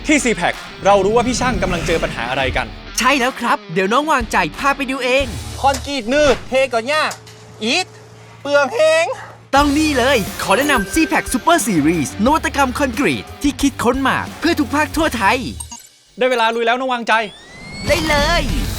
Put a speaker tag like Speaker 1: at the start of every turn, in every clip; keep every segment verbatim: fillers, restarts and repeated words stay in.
Speaker 1: ที่ ซี แพ็ค เรารู้ว่าพี่ช่างกำลังเจอปัญหาอะไรกัน
Speaker 2: ใช่แล้วครับ เดี๋ยวน้องวางใจพาไปดูเอง
Speaker 3: คอนกรีตนืดเทก็ยาก อีทเปลืองแหง
Speaker 2: ต้องนี่เลย ขอแนะนำ ซี แพ็ค Super Series นวัตกรรมคอนกรีตที่คิดค้นมาเพื่อทุกภาคทั่วไทย
Speaker 1: ได้เวลาลุยแล้วน้องวางใจ
Speaker 2: ได้เลย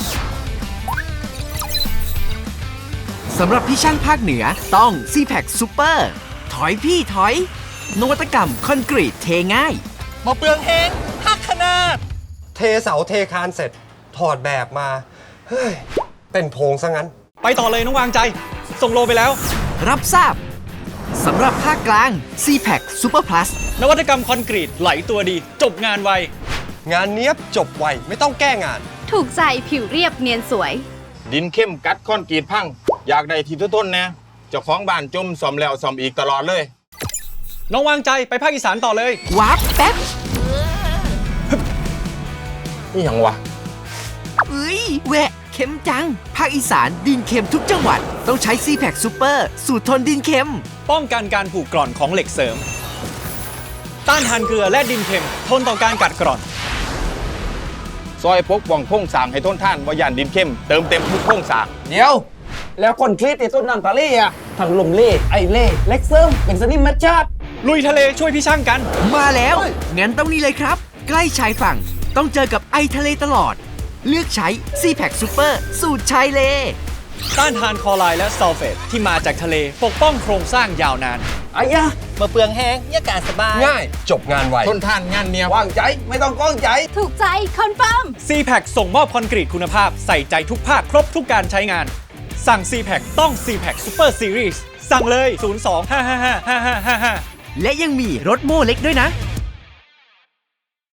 Speaker 2: สำหรับพี่ช่างภาคเหนือต้อง ซี แพ็ค Super ถอยพี่ถอย นวัตกรรมคอนกรีตเทง่าย
Speaker 3: มาเปลืองแหงหักขนาด เทเสาเทคานเสร็จ ถอดแบบมา เฮ้ย เป็นโพรงซะงั้น
Speaker 1: ไปต่อเลยน้องวางใจ ส่งโลไปแล้ว
Speaker 2: รับทราบสำหรับภาคกลาง ซี แพ็ค Super Plus
Speaker 1: นวัตกรรมคอนกรีตไหลตัวดี จบงานไว
Speaker 3: งานเนี้ยบจบไวไม่ต้องแก้งาน
Speaker 4: ถูกใจผิวเรียบเนียนสวย
Speaker 5: ดินเข้มกัดคอนกรีตพัง อยากได้ที่ทนๆนะเจ้าของบ้านจมซ่อมแล้วซ่อมอีกตลอดเลย
Speaker 1: น้องวางใจไปภาคอีสานต่อเลย
Speaker 2: วาร์ปแป๊บ
Speaker 5: นี่ยังวะ
Speaker 2: เอ้ยแหวะเข็มจัง ภาคอีสานดินเค็มทุกจังหวัด ต้องใช้ ซี แพ็ค Super สูตรทนดินเค็ม
Speaker 1: ป้องกันการผูกกร่อนของเหล็กเสริม ต้านทานเกลือและดินเค็ม ทนต่อการกัดกร่อน
Speaker 5: ซอยพกว่องโค้งสร้างให้ทนท่านว่าย่านดินเข้มเติมเต็มทุกโค้งสร้าง
Speaker 6: เดี๋ยว แล้วคนคลิปที่ต้นน้ำตาลี่อ่ะทั้งลมเล่ไอเล่เล็กเซิร์มเป็นสนิมมัดชาติ
Speaker 1: ลุยทะเลช่วยพี่ช่างกัน
Speaker 2: มาแล้ว งั้นต้องนี่เลยครับ ใกล้ชายฝั่ง ต้องเจอกับไอทะเลตลอด เลือกใช้ ซี แพ็ค Super สูตรชายเล
Speaker 1: ต้านทานคลอไรด์และซัลเฟตที่มาจากทะเลปกป้องโครงสร้างยาวนาน
Speaker 6: ไอ้ยะ
Speaker 3: มาเปลืองแหงยากาศสบาย ง่าย จบงานไว
Speaker 5: ทนท่านงานเนียบ
Speaker 6: วางใจไม่ต้องก้องใจ
Speaker 4: ถูกใจคอนเฟิร์ม
Speaker 1: ซี แพ็ค ส่งมอบคอนกรีตคุณภาพใส่ใจทุกภาคครบทุกการใช้งาน สั่ง ซี แพ็ค ต้อง ซี แพ็ค Super Series สั่งเลย ศูนย์ สอง ห้า ห้า ห้า ห้า ห้า ห้า ห้า
Speaker 2: และยังมีรถโม่เล็กด้วยนะ